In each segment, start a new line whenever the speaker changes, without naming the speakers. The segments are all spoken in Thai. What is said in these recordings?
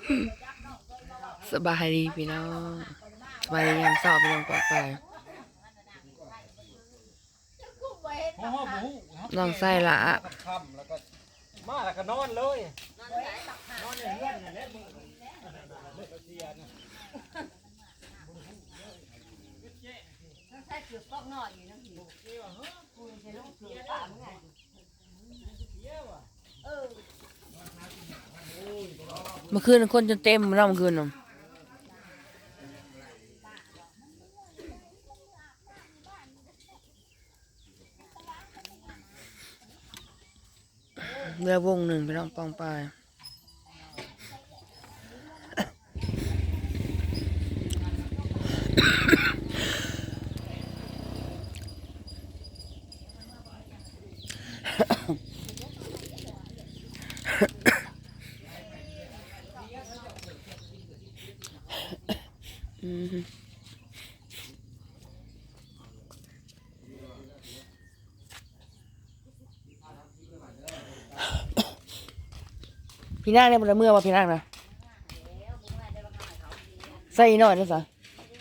สบายดีพี่น้องสบายดียามเช้าพี่น้องปลอดภัยน้องไส้ละ
มาแล้วก็นอนเลย
เมื่อคืนคนจนเต็มเราเมื่อคืนน่ะเรือวงหนึ่งพี่น้องปองปลายพี่นางเนี่ยมันเมื่อว่าพี่นางนะใส่หน่อยนะจ๊ะ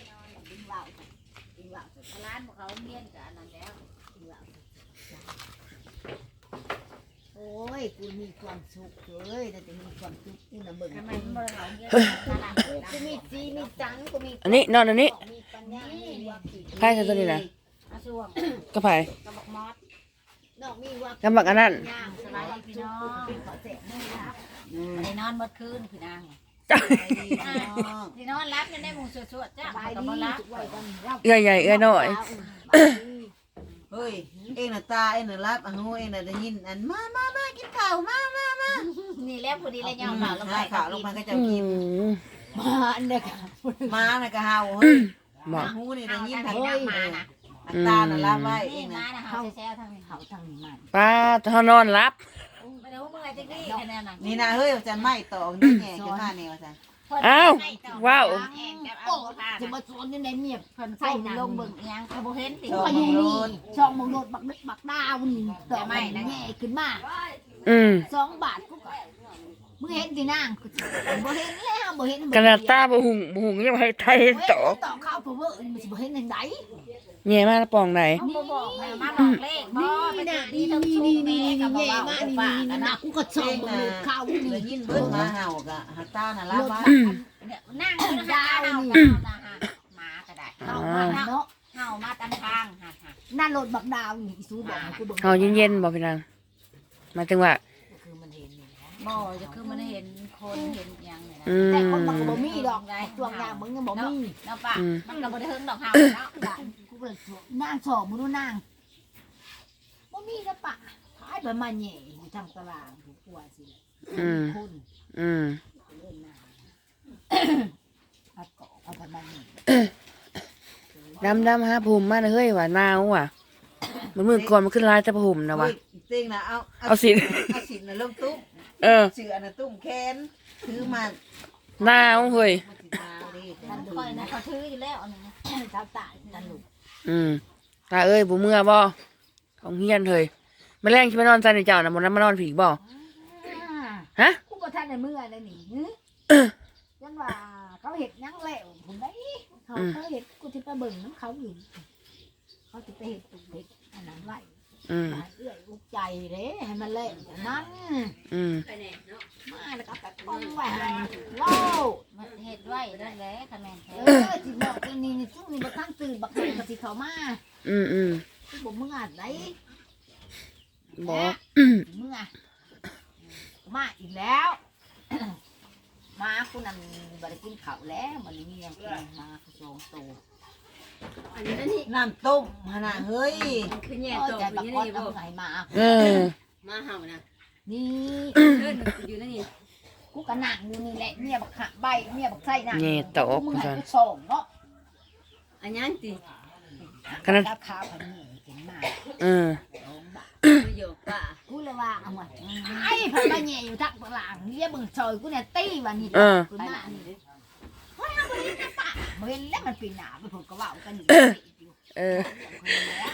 โอ้ยกูมีความสุขเลยแต่จะมีความสุขนี่นะเบิ่งทำไมมันบ่ได้เอาเงี้ยกูมีจีมีจังกูมี
อันนี้นอนอันนี้
มีปัญญามีวัก
ไพ่ใส่ตัวนี้นะ
อาช่วง
กระไผ่
กระบอกมอสนอกมีวัก
กำบักอันนั้น
ย่างสบายดีพี่น้องขอเสร็จให้รับ
ไปนอนเมื่อคืนพี่นางที่นอนรับยังได้หมูสวดๆจ้ะ
สบาย
ก็
ดี
บ่รับ
ทุกวัยกันรับ
เอื้อยใหญ่เอื้อยน้อย
เฮ้ยเอ็งน่ะตาเอ็งน่ะรับอ่ะฮู้เอ็งน่ะได้ยินอันมากินข้าวมา
นี่แหล้วพอดีเลยยอมเปล่าลงไป
ให้ข้าวลงมาก็จะ
อื
กิน
ม
มาอันเด็ก
มาน่ะก็เฮาเฮ้ย
บอก
ฮู้นี่ได้
เอา
ยิน
ทาง
ทาง
นี้มานะ
ตาน่ะรับไว้เอ็
นี่
ง
มา
น่ะ
นะเฮาแซ่ๆทางนี้
เขาทางนี้มัน
ป้าเขานอนรับ
ไม่ได้ว่าเมื่อไหร่จะกี้แค่นั้นน่ะ
นี่นะเฮ้ยจันไม่ตอกนี่แง่ขึ้นมาแนวซั่น
อ้าวว้าว
แอนกับเอา
โอ้
ผ้า
จะมาสวนยังไงเมีย
เพิ่น
ใส่
ใส่
หนัง
ลงเบิ่งยังก็บ่เห็นติ
ก็อยู่นี่ช่องมงโดดบักนึกบักดาวนี่ต่อไม่นะแง่ขึ้นมา
อืม
2 บาทกูก็มึงเห็นสินางบ่เห็นแล้วบ่เห็น
กระดาษตาบ่หุงยังให้ไทยตอก
ต่อข้าวเพราะว่ามันสิบ่เห็นจังได๋
แง่มาปองไหน
เขาบ่บอกให้มาบอกเลขบ่ไป
นี่
ถึง
นี่
ที่
นี่
ทั้ง
นี่
ชู
นี่
แม่
แง่
ก็บ่
มา
เว้า
นี่
ปากกัน
นี่นะ
นะ
กูก็ส่งมึงข้าว
ได้
นี่
ยินเบิ่งมาเฮาก็หาตาน่ะรับไว้
นั่งอยู่ดาวนี่หมาก็ได้เฮามาเนาะเฮามาตามทางฮะ
นั่นรถบักดาวนี่อีซูบอกกูเบิ่ง
เฮาเย็นๆบอกพี่นางหมายถึงว่า
คือมันเห็นนี่
บ่จะคือมันเห็นคนเห็นยังเนี่ยนะ
อืม
แต่คนมันก็บ่มีดอกตัวอย่างมึงยังบ่มี
เนาะป่ะมันก็บ่ได้เฮิงดอกเฮาเนาะ
ด่านกูเบิ่งนางสอบมึงดูนางบ่มีนะปะท้ายไปมาแหน่อยู่ทางตารางกูกลัวสิคน
อืม
เล่นน้ำเอาเกาะเอาไปมาแหน่
ดำฮะภูมิมาเฮ้ยว่าหนาวว่ะมันมือก่อนมันขึ้นลายแต่ภูมินะวะ
เต็งน่ะเอา
เอาสิ
เอาสิน่ะลงตุ้ม
เออ
เสือน่ะตุ้มแขนถือมา
หนาวเฮ้ย
สิมาดิ
มันค่อยนะเขาถืออยู่แล้วอันนี้
เจ้าตายนั่นลูก
อืมตาเอ้ยบ่เมื่อบ่ของเฮียนเฮ้ยแมลงที่มานอนใจในเจ้าน่ะบ่นั้นมานอนผีบ่ฮะ
กูก็ทันในเมื่อเลยนี่ยังว่าเขาเห็ดยังแล้วผมได้เขาเห็ดกูที่ไปเบิ่งน้ำเขาอยู่เขาจะไปเห็ดตุกเห็ดอันนั้นไว้
อืม
เอื้อยอุกใจเด้ให้มันเล่นนั้น
อืม
มาแล้วก็แบบป้องไว้ให้เล่า
มันเฮ็ดไว้นั่นแหละคะแนนแท้
จิบอกตัวนี้นี่ซึ่งนี่บักทั้งตื่นบักทั้งกะสิเขามา
อืม
ผมมึงอ่านไหน
บ่
มึงอ่ะมาอีกแล้ว มาคุณนั่นบริกินข้าวแล้วมันมีอย่างกินมาสองตัว
น้ำต้มหั่นน่ะเฮ้ย
คือแย่
โอ้
ตัว
ใจบัก
อยู่
ก้อน
นี่
เอา
บ่
ไหนมา
เออ
มาเห่านะ
นี่
เดินอยู่นั่นนี่
กูกะหนังอยู่นี่แหละเมียบักหะใบเมียบักไส้หนัง
แง่ตอก
มึง
จั
ให้
ง
กูส่งเนาะ
อันนั้นติ
ขนาด
กับข้าวพันนี่กินมา
เออ
ประโยคป่ะ
กูเลยว่าเอามาไอ้พันมาแย่อยู่ทักหลังเรียกมึงซอยกูเนี่ยตีวันนี้กูหน้านี่เฮ้ยเอาไปนี่นะป้าเห็นแล้วมันปีหนาไปผมก็ว่ากันอยู่
เออ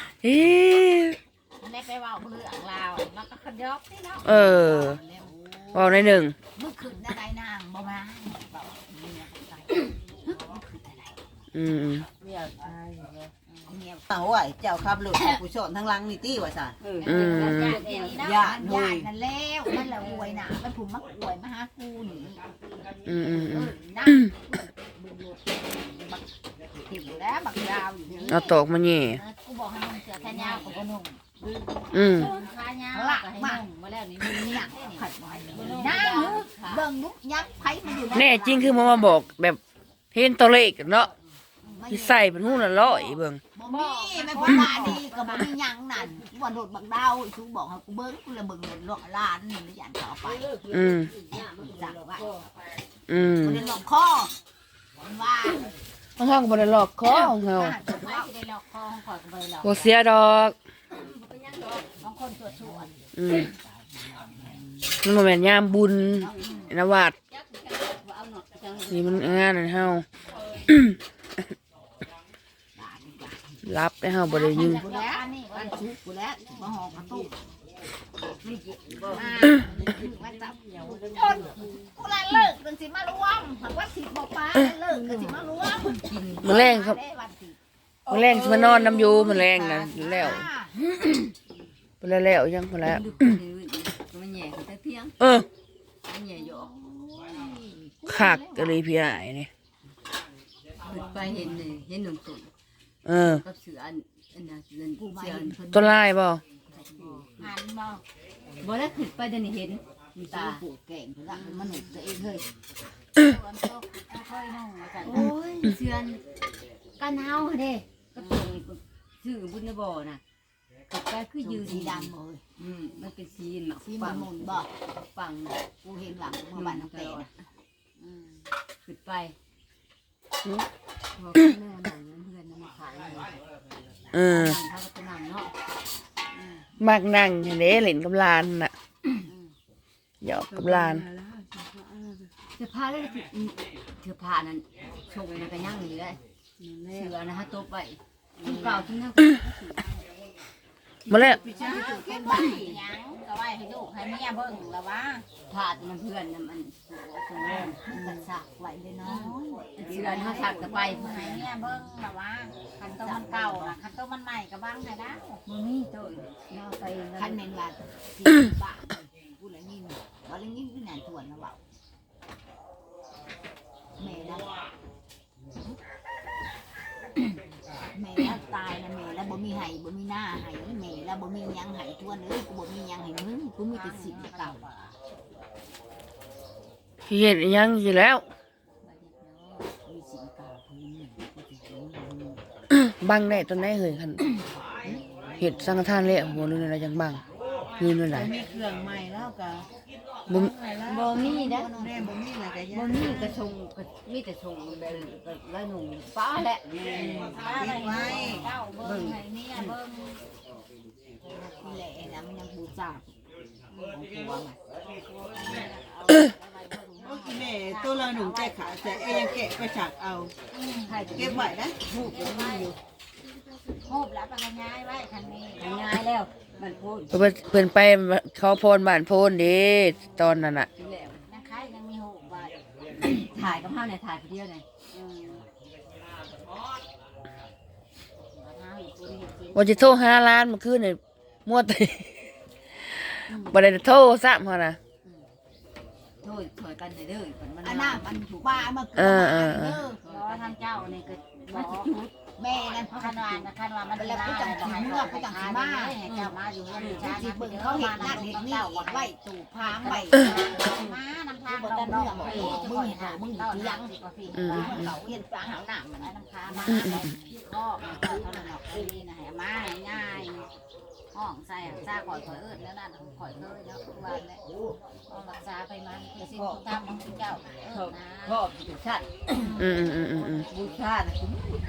เอ๊ะ
มันได้ไปเว้าเรื่องราวมันก็ขยอกนี่เนาะ
เออ
แล้วโอ้
เว้าในหนึ่ง
มึงขึ้นอะไรนางบ่มาบอกเมียไปมึงขึ้นอะไร
อืม
เมีย
เอาไว้เจ้าขับรถผู้ชนทั้งหลังนี่ตี้ว่าซั่น
อืม
ย่า
ญาตินั่นแล้วนั่นแหละอวยน่ะมันผูกมักอวยมาหากูนี่
อืมอืมอืม
นั่งบึงรถบักถิ่มแล้วบักยาวอยู่นี่
เอาตอกมาแย่
กูบอกให้มึงเสือแขนยาวกับกระนุ่ง
อืม
ขายาวก็ให้นุ่งมาแล้วนี่
เนี่ยขัดไว้นั่งเบิ่งนุ๊กยักษ์ไผมันอยู่
แน่จริงคือมาบอกแบบเห็นตัวเลขเนาะที่ใส่เป็นหูละร้อยเบิ่ง
บ่มีแม่พ่อตาดีก็บ่มีหยังนั่นว่าโดดบักดาวชูบอกให้กูเบิ่งกูเลยเบิ่งโดดล้านนี่แล้วย่านต่อไป
อืม
จักไว้
อืม
บ่ได้หลอกคอมันว่า
ของเฮาก็บ่ได้หลอกคอของเฮา
ไม่ได้หลอกคอของข่อยก็บ่ได้หลอก
บ่เสียดอก
บางคนตรวจชวน
อืมมันบ่แม่นยามบุญนะวัดนี่มันงานนั่นเฮา รับให้เฮาบ่ได้ยืม
กูแล้วอันชุกกูแล้วมาห่อกระตุกมาจับจนกูละเลิกกันสิมารวมหากว่าสิบ่ปาเลิกกันสิมารวม
มื้อแรงครับมื้อแรงสิมานอนน้ำอยู่มื้อแรงน่ะแล้วไปแล้วยังพอแล้ว
มันแย่คือแต่เพียง
เออ
มันแย่อยู่
คักก็เลยพี่อ้ายนี่
ขึ้นไปเห็นเลยเห็นหนุ่มตุ่น
เออ
กับเสืออันน่ะเสือเสือ
ต้นลายบ่
หันบ่
บ่ได้ขึ้นไปเดี๋ยวนี้เห็นมีตา
ปวดแก่งกูละมันหนุกตัวเองเฮ้ย
ส่วนตัวค่อยนุ่งมาสั่น
โอ้ยเสือกันเฮาเด้ก็ตัวนี้ชื่อบุญบ่น่ะก็ไปคือยืน
สีดำเลย
มันเป็นสีหมัก
สี
ฟั
มัน
ง
มุนบ่
ฟัง
กูเห็นหลังเมื่อวันน้ำเตะนะ
ขึ้นไปพอแม่หนังเพื่อนมาขายเลย
เออ
เขาก็นั่งเนาะ
มักนั่งเด้เล่นกับหลานน่ะหยอกกับหลาน
เสื้อผ้าเลยเสื้อผ้านั้นชงมันก็ย่างอยู่ได้เสือนะฮะตัวไปที่เก่าที่นั่ง
มาแล้ว
เป็นบ้าหยังก็ไว้ให้ลูกให้เมียเบิ่งละว่า
ผ้ามันเพื่อนมันสงง
มันสักไหวเลยเนาะ
เสือนะชักจะไป
ให้เมียเบิ่งละว่าคันตัวมันเก่าน่ะคันตัวมันใหม่ก็บังให้ได้
มันนี่ตัวน่าไป
คันเมนว่าที่บ้านกูเลยยินว่าเลยยินคือนานทวนนะว่าแม่แล้วแม่แล้วตายนะแม่แล้วบ่มีไห้บ่มีหน้าไห้แม่แล้วบ่มียังไห้ทวนเลยกูบ่มียังไห้มึงกูมีแต่สิ่งเก่า
เฮ็ดอิหยังอยู่แล้ว
มีสิ่งเก่าพื้นกูจะเห็น
บังได้ตอนไหนเฮ้ยคันเฮ็ดสังฆทานแล้วบ่รู้อะไรจังบังยืนไว้หลาย
มีเครื่องใหม่แล้วก็
บ่
บ่มีนะ
แม่บ่มีอะไรก็
บ่
ย่า
มีกระชงมีแต่ชงแบบละหนุ่มฟ้าแหละ
เก็บไว้
เจ้าเบิ่งให้เมียเบิ่ง
นี่แหละนะมันยังบูชาหัวมัน
โอ้ยแม่ตัวเราหนุ่มใจขาแต่เอ้ยังแกะไปฉากเอาเก็บไว้นะ
โคบแล้วไปย้ายไว้คันนี้
ง่ายแล้วมันพูด
เพิ่นไปเขาพรบ้านโพนเด้ตอนนั้นน่ะ
ที่แล้ว
นักขายยังมีหูไว้
ถ่ายกับเฮาเนี่ยถ่ายคนเดียวเลย
ว่าจะโทรหาร้านเมื่อคืนนี่มัวแต่ บ่ได้โทรซ้ำเฮานะ
โทษถอยกันเด้อมัน
อันนั้นมันป้ามา
เออ
รอทางเจ้านี่ก็บอก
แม่นั่น
คันว่ามันแล้วผู้จังสิเมื่อผู้จังสิมาให้เจ้ามาอยู่เรือนชา
สิเบิ่งเขาเห็นนั่นเห็นนี่ไว้ตู่พางไว้
มานำทาง
บ่
เรา
ได้
เนาะ
เรื่องมึงหามึงอยู่ยังเขาเห็นปลาหาหนามมัน
น้ำค้ามาข้อมันก็เท่านั้นหรอกนี่นะให้มาง่ายห้องใส่ซาข่อยเอิ้นแล้วนั่นข่อยเคยแล้ววันนี้เอารักษาไปมันคือสิ่งที่ทำของเจ้าเอิ้นนะ
พ่อผู้ชาติ
อืม
ผู้ชาติคุ้ม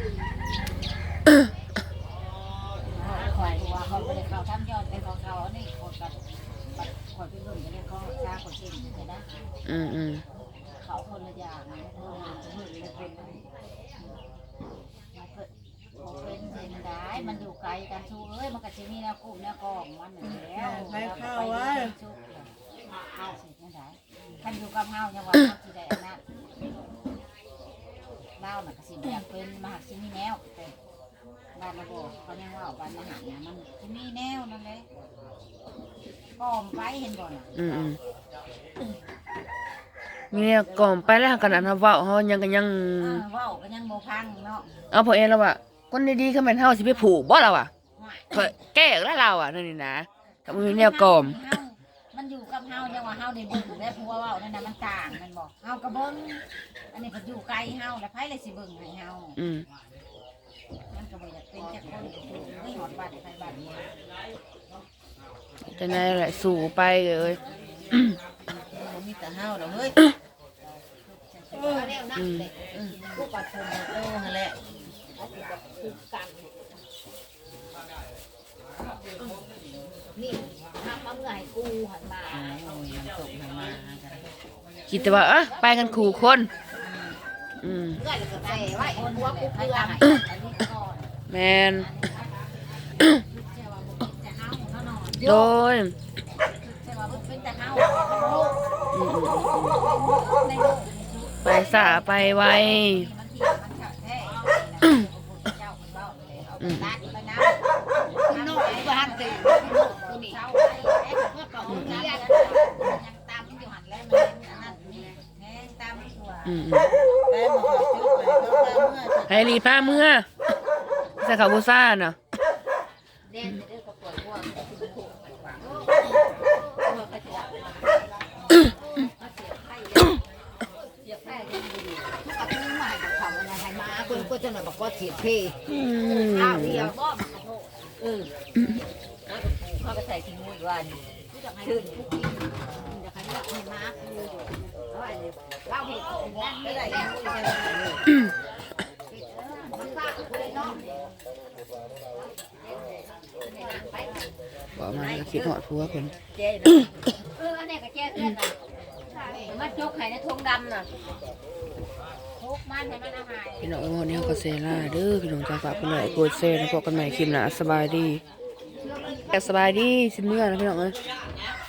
ข่อยว่าเขาไม่ได้เขาทำยอดเป็นของเขานี่คนกับข่อยไปเบิ่งไปเลยเขาซาข่อยเก่งเลยนะ
อืม
เขาคนละอย่างนะเพิ่นเลยเป็นเป็นเส้นได้มันอยู่ไกลกันชูเอ้ยมันก็จะมีแนวกลุ่มแนวกองมันแล้ว
ไปเข้าไว้
เข้าสินั่นได้คันอยู่กับเฮายังว่าเฮาสิได้อันนั้นเล่าน่ะก็สิแบบเป็นมหาสิมีแนวเป็นบ้านระบบเขายังว่าบ้านมหาเนี่ยมันสิมีแนวนั่นเลยก่อมไปเห็นบ่น่ะ
มีเนี่ยก่อมไปแล้วขนาดเว้าเฮายังก็ยัง
เว้าก็ยังบ่พังเนาะ
เอาพอเองแล้วว่าคนดีๆคือแม่นเฮาสิไปผูกบ่ล่ะวะแก้แล้วเราอ่ะนั่นนี่นะถ้ามีแนวก่อม
มันอยู่กับเฮายังว่าเฮาได้เบิ่งได้ผัวเว้านั่นน่ะมันต่างมันบอกเฮาก็เบิ่งอันนี้ก็อยู่ไกลเฮาแล้วไผเลยสิเบิ่งให้เฮามันก็บ่อยากเป็นจักคนอยู่ไม่หอดบ้านไผบ้านเมือง
จะไหนแหละสู่ไปเอ้ย
มันมีแต่เฮาดอกเฮ้ย
แนวนั้นเลยพวกปัดชน
โอ้หั่นแหละ
นี่ทำมาเมื่อให้กูหันมา
โอ้ยมันตกทางมาจ้ะ
คิดแต่ว่าไปกันขู่คนอืม
เพื่อนก็ได้ไว้หัวกูเกลือ
อันนี้ก่อน
แมน
ใช่ว่าบ่เป็นแต่เฮาเฮานอน
โดย
ใช่ว่าบ่เป็นแต่เฮา
อืม
ในโลก
ไปสาไปไว
มันเที่ยวมันขัดแท้เจ้าคนเว้าเลยเอาไปตัดไปน้ำ
คุณน้องบ้านตื่นตัวนี้
เช้าไปแอ๊ะเพื่อเป่าน้ำยังตามอยู่หันแล้วมันอันนั้นแห้งตามไม่ตัว
แต่มาขอจุดไปเขาพาเมื่อ
ให้รีผ้าเมื่อใส่ขาวบูซ่าเนาะ
เด่นเด้อก็ปล่อยวัวเสียบแพ้ยังดีกับมือใหม่กับเขาอะไรให้มาคนก็จะหน่อยบอกว่าเสียบเพข้าวเดียวบ่เขาก็ใส่ทิ้งไว้วันชื่นทุกทีจะให้มาให้มาคือเราเห็นนั่นไม่ได้มันบ้าเลยเนาะ
บอกมาคิดหอดผัวคน
เจ๊อันนี้ก็เจ๊เพื่อนน่ะมันจกไข่ในทงดำน่ะ
ทุกมันให้มันอาหาร
พี่น้องวันนี้เขาก็เซล่าเด้อพี่น้องจ้าฝากคนไหนกดเซนพบกันใหม่คลิปหน้าสบายดีสบายดีสิเมื่อนะพี่น้องเอ้ย